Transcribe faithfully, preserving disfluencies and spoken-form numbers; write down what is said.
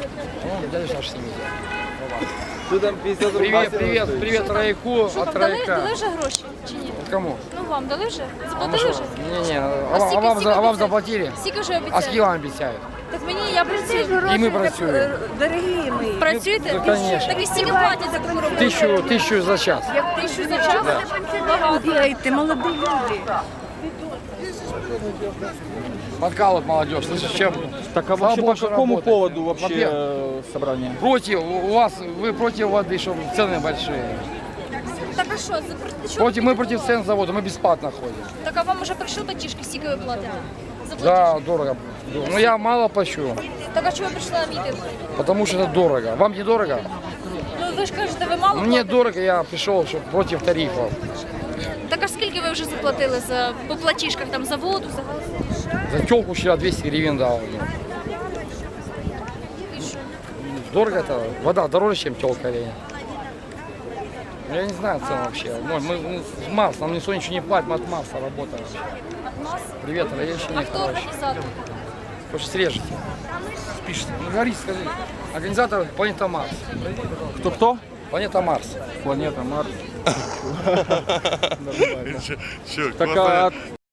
Ну, дядя Саша с ними. Что там пятьдесят рублей? Привет, привет, привет, Райку Що от вам дали, Райка. дали вже гроші чи ні? Кому? Ну вам дали вже? А, мы Заплатили что? вже? Не-не, а, А вам- а скільки- вам, за- а вам скільки заплатили? Скільки вже А обіцяють? скільки вам обіцяють? Так мені я працюю. І ми працюємо. Дорогі мої. Працюєте? Ну, конечно. Так і стільки платять за таку роботу? Тысячу, тысячу за час. Тисячу за час? Багато. Бігайте, молоді люди. Подкалывают молодежь. Слышишь, чем? Так а Слава вообще Богу, по что какому работает. поводу вообще Во-первых, э, собрание? Против, у вас, вы против воды, что цены большие. Так а що? За про- що Против, ви мы против цен завода, мы бесплатно ходим. Так а вам уже прийшли платіжки, скільки ви платите? За Да, платіжки? дорого. Но я мало плачу, Так а чого ви прийшли на мітинг? потому что это дорого. Вам не дорого? Ну ви ж кажете, ви мало Мне платите? дорого, я пришел чтобы против тарифов. Так а скільки ви вже заплатили за по платіжках там за воду, за газ? За телку вчера двести гривен дал. І що? Дорого это? Вода дороже, чем телка или нет? Я не знаю цен вообще. Мы, мы, мы с Марс, нам никто ничего не платит, мы от Марса работаем. От нас? Привет, А Раевщине, хто короче. організатор? Хочешь срежете? Спишите. Ну говори, скажи. Организатор планета Марс. Кто-кто? Планета Марс. Планета Марс. Чё, Так классная- а